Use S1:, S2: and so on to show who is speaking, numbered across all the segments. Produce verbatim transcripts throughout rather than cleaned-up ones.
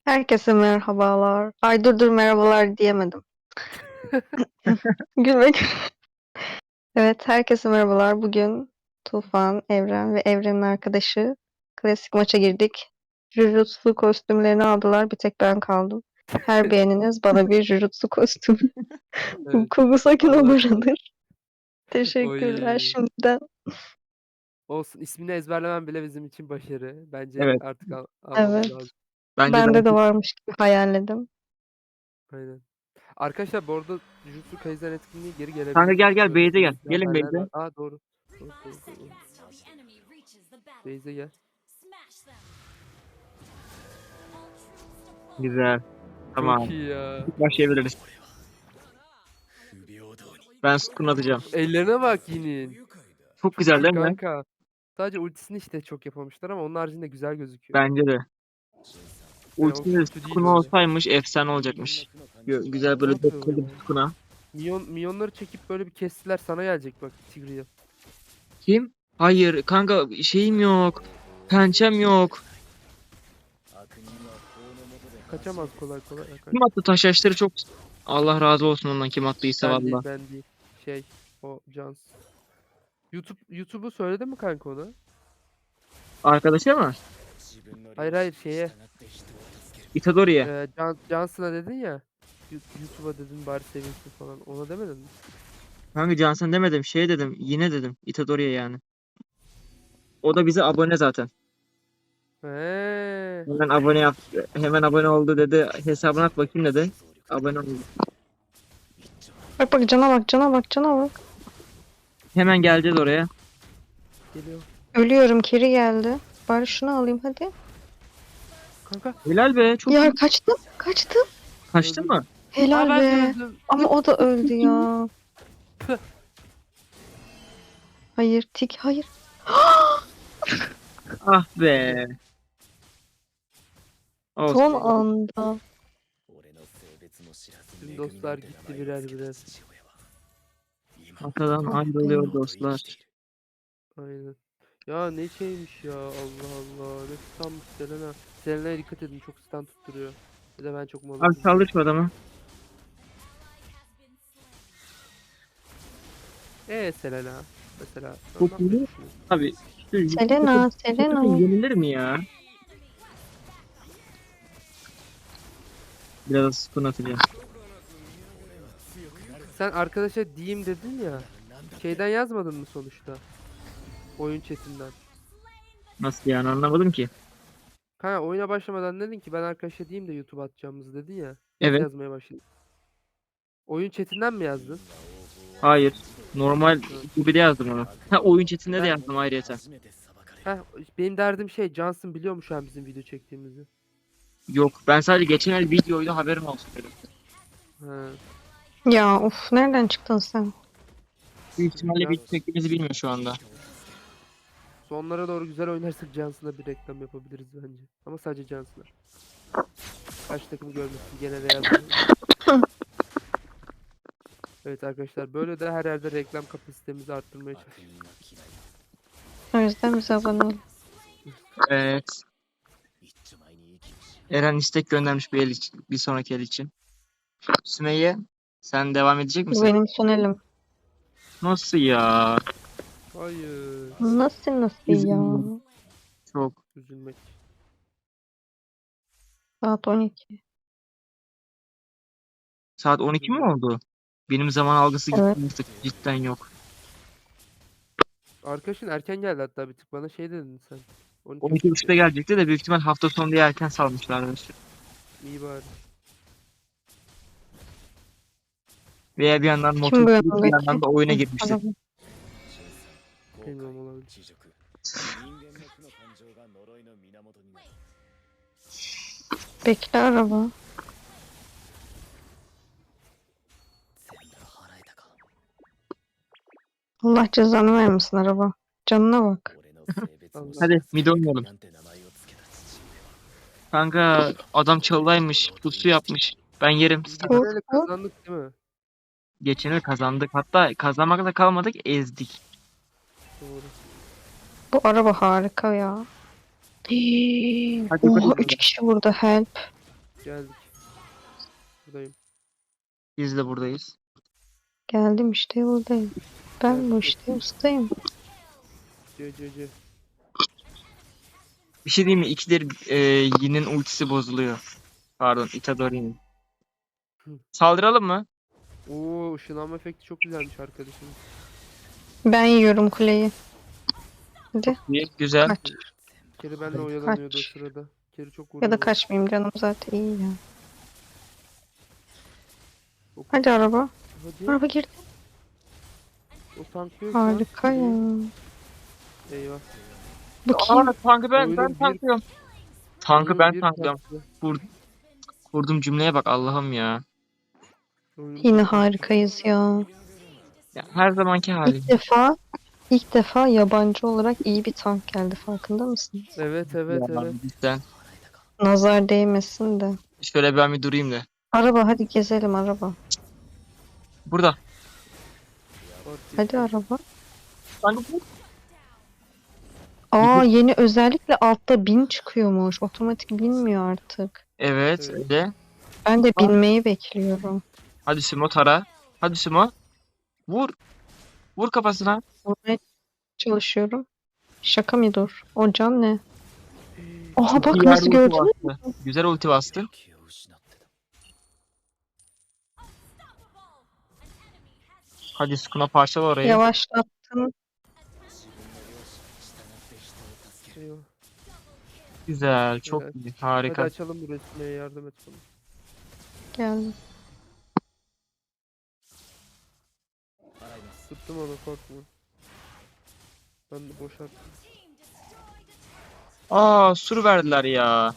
S1: Herkese merhabalar. Ay dur dur merhabalar diyemedim. Gülmek. Evet, herkese merhabalar. Bugün Tufan, Evren ve Evren'in arkadaşı klasik maça girdik. Jujutsu kostümlerini aldılar. Bir tek ben kaldım. Her beğeniniz bana bir Jujutsu kostümü.
S2: Evet.
S1: Kugusakin
S2: Vallahi sağ ol.
S1: olurdur. Teşekkürler
S2: Oy.
S1: şimdiden.
S2: Olsun. ismini ezberlemem bile bizim için başarı. Bence
S3: Evet.
S2: artık al almamız
S1: Evet.
S2: lazım.
S3: Bence de
S1: Bende de
S3: artık
S1: varmış gibi hayalledim.
S2: Aynen. Arkadaşlar bu arada Jujutsu Kaisen etkinliği geri
S3: kanka
S2: gelebilir.
S3: gel gel
S2: Böyle
S3: Beyze gel.
S2: gizli
S3: Gelin
S2: haberler
S3: Beyze.
S2: var. Aa doğru. Doğru, doğru, doğru. Beyze gel.
S3: Güzel.
S2: Çok
S3: Tamam.
S2: iyi ya.
S3: Başlayabiliriz. Ben Sukun atacağım.
S2: Ellerine bak Yin'in.
S3: Çok
S2: Çok
S3: güzel
S2: iyi
S3: değil mi?
S2: kanka. Sadece ultisini işte çok yapamamışlar ama onun haricinde güzel gözüküyor.
S3: Bence de.
S2: Yani o
S3: Ultimate
S2: kötü değil
S3: Sukun
S2: böyle.
S3: olsaymış efsane olacakmış. Gö- Güzel
S2: Ne
S3: böyle
S2: yapıyor bu
S3: dört
S2: ya?
S3: bir Sukun'a.
S2: Minyon, minyonları çekip böyle bir kestiler sana gelecek bak Tigreal.
S3: Kim? Hayır kanka şeyim yok. Pençem yok.
S2: Kaçamaz kolay kolay. Kaç.
S3: Kim attı taş yaşları çok... Allah razı olsun ondan kim attıysa
S2: Ben değil
S3: valla.
S2: ben değil. Şey o Cans. YouTube YouTube'u söyledin mi kanka ona?
S3: Arkadaşa mı?
S2: Hayır hayır şeye.
S3: Itadori'ye.
S2: E, Can, Johnson'a dedin ya. Yu- YouTube'a dedin bari sevinsin falan. Ona demedin mi?
S3: Kanka Johnson demedim şey dedim. Yine dedim. Itadori'ye yani. O da bize abone zaten.
S2: He.
S3: Hemen abone yap. Hemen abone oldu dedi. Hesabına at bakayım dedi. Abone oldu.
S1: Bak bak cana bak cana bak cana bak.
S3: Hemen geleceğiz oraya.
S2: Geliyor.
S1: Ölüyorum, Keri geldi. Bari şunu alayım hadi.
S2: Kanka.
S3: Helal be. Çok
S1: Ya
S3: iyi.
S1: kaçtım kaçtım.
S3: Kaçtın
S2: Öldürdüm.
S3: mı?
S2: Aa
S1: Helal
S2: ben de
S1: be.
S2: öldüm.
S1: Ama o da öldü ya.
S2: Püh.
S1: Hayır tik hayır.
S3: Ah
S2: Hadi.
S3: be.
S1: Son
S3: Olsun.
S1: anda.
S2: Tüm dostlar gitti birer birer.
S3: Atadan
S1: Ah
S3: ayrılıyor
S1: be.
S3: dostlar.
S2: Aynen. Ya ne şeymiş ya Allah Allah. Ne standmış Selena. Selena'ya dikkat edin çok stand tutturuyor. Bir de ben çok mal
S3: Abi
S2: oldum.
S3: saldır şu adamı.
S2: Eee Selena. Mesela. Sen
S3: Çok
S2: ne yapmayı
S3: iyi.
S2: düşünüyorsun?
S3: Abi. Şu
S1: Selena,
S3: şu takım
S1: Selena.
S3: yenilir mi ya? Biraz sıkın atacağım.
S2: Sen arkadaşa diyeyim dedin ya. Şeyden yazmadın mı sonuçta? Oyun chatinden.
S3: Nasıl yani anlamadım ki.
S2: Kanka oyuna başlamadan dedin ki ben arkadaşa diyeyim de YouTube atacağımızı dedin ya. Nasıl
S3: Evet.
S2: yazmaya başladın? Oyun chatinden mi yazdın?
S3: Hayır. Normal
S2: Hı.
S3: gibi de yazdım onu. Ha oyun chatinde de
S2: Ben,
S3: yazdım ayrıyeten.
S2: heh, benim derdim şey Johnson biliyor mu şu an bizim video çektiğimizi?
S3: Yok ben sadece geçen el videoydu haberim olsun dedim.
S2: Ha.
S1: Ya of nereden çıktın sen?
S3: Büyük ihtimalle
S2: Ya
S3: video çektiğimizi bilmiyor şu anda.
S2: sonlara doğru güzel oynarsak Johnson'a bir reklam yapabiliriz bence. Ama sadece Johnson'a. Kaç takım görmesin gene Real Madrid. Evet arkadaşlar böyle de her yerde reklam kapasitemizi arttırmaya çalışıyoruz.
S1: O yüzden bize abone ol.
S3: Evet. Eren istek göndermiş bir el için, bir sonraki el için. Sümeyye sen devam edecek
S1: Bu
S3: misin?
S1: benim son elim.
S3: Nasıl ya?
S2: Hayır.
S1: Nasıl nasıl ya?
S3: Üzüldüm. Çok.
S2: Üzülmek.
S1: Saat on iki.
S3: Saat on iki mi
S2: Üzülmek.
S3: oldu? Benim zaman algısı
S1: Evet.
S3: gitti artık. Cidden yok.
S2: Arkadaşın erken geldi hatta bir tık bana şey dedin sen. on iki
S3: on iki
S2: buçukta.
S3: buçukta gelecekti de büyük ihtimal hafta sonu diye erken salmışlardı.
S2: İyi bari.
S3: Veya bir yandan motor
S1: Kim bu
S3: sürüp bir
S1: yanındaki?
S3: yandan da oyuna
S1: Hı,
S3: girmiştir.
S1: araba.
S2: Bilmiyorum olabilir.
S1: Bekle araba. Allah cezanı vermesin araba. Canına bak.
S2: Allah.
S3: Hadi mid oynayalım. Kanka adam çalıdaymış. Pusu yapmış. Ben yerim.
S2: Biz
S1: Vur
S2: geçen ele
S1: vur.
S2: kazandık değil mi?
S3: Geçen el kazandık. Hatta kazanmakla kalmadık ezdik.
S2: Doğru.
S1: Bu araba harika ya. Hii.
S3: Hadi
S1: Oha
S3: yukarı.
S1: üç kişi burada help.
S2: Geldik. Buradayım.
S3: Biz de buradayız.
S1: Geldim işte buradayım. Ben bu işte ustayım.
S2: C C C.
S3: Bir şey diyeyim mi? İkidir e, Yin'in ultisi bozuluyor. Pardon, Itadori'nin.
S2: Hı.
S3: Saldıralım mı?
S2: Oo, ışınlanma efekti çok güzelmiş arkadaşım.
S1: Ben yiyorum kuleyi. Hadi
S3: İyi, güzel.
S1: kaç.
S2: Keri benle oyalanıyordu o
S1: Kaç.
S2: sırada. Keri çok
S1: Ya
S2: vuruyor
S1: da
S2: bana.
S1: kaçmayayım canım zaten iyi ya.
S2: O-
S1: Hadi araba.
S2: Hadi.
S1: Araba girdi.
S2: O tanklıyor şu an.
S1: Harika ya.
S2: Eyvah.
S1: Bu kim?
S3: Aa, tankı ben,
S2: Oyunun
S3: ben
S2: bir-
S3: tanklıyorum. Tankı
S2: Oyunun
S3: ben
S2: bir
S3: tanklıyorum.
S2: parçası.
S3: Kur, kurduğum cümleye bak Allah'ım ya.
S2: Oyunun
S1: Yine
S2: bir parçası.
S1: harikayız ya.
S3: Ya her zamanki halim.
S1: İlk defa ilk defa yabancı olarak iyi bir tank geldi farkında mısın?
S2: Evet evet
S3: Ya,
S2: evet.
S3: cidden.
S1: Nazar değmesin de.
S3: Şöyle ben bir durayım da.
S1: Araba hadi gezelim araba.
S3: Burada.
S2: Ortiz.
S1: Hadi araba.
S3: Tankı bu.
S1: Aa yeni özellikle altta bin çıkıyormuş. Otomatik binmiyor artık.
S3: Evet,
S2: Evet.
S3: öyle.
S1: Ben de
S3: Aa.
S1: binmeyi bekliyorum.
S3: Hadi Sumo tara. Hadi Sumo. Vur. Vur kafasına.
S1: Vurmaya çalışıyorum. Şaka mı dur? O can ne? Oha bak
S3: İyi yerde
S1: nasıl
S3: ulti
S1: gördün mü?
S3: bastı. Güzel ulti bastı. Hadi Sukuna parçala orayı.
S1: Yavaşlattın.
S2: Eyvah.
S3: Güzel. Çok
S2: Evet.
S3: iyi.
S2: Hadi
S3: Harika.
S2: açalım bu resmeye, yardım et bana.
S1: Geldim.
S2: Tuttum onu, korkma. Ben de boşalttım.
S3: Aa, sur verdiler ya.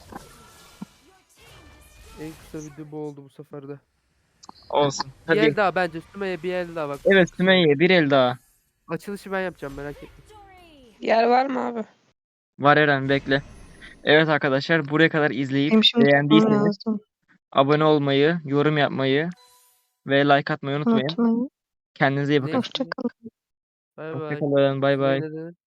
S2: En kısa video bu oldu bu sefer de.
S3: Olsun.
S2: Bir el
S3: Hadi.
S2: daha bence. Sümeyye bir el daha bak.
S3: Evet Sümeyye bir el daha.
S2: Açılışı ben yapacağım, merak etme.
S4: Yer var mı abi?
S3: Var Eren bekle. Evet arkadaşlar buraya kadar izleyip
S1: Benim şimdi tutmam
S3: beğendiyseniz
S1: lazım.
S3: abone olmayı, yorum yapmayı ve like atmayı unutmayın.
S1: Unutmayın.
S3: Kendinize iyi bakın.
S2: Ne?
S1: Hoşçakalın.
S2: Bay bay.
S3: Hoşçakalın. Bay bay.
S2: Sümeyye ne dedi?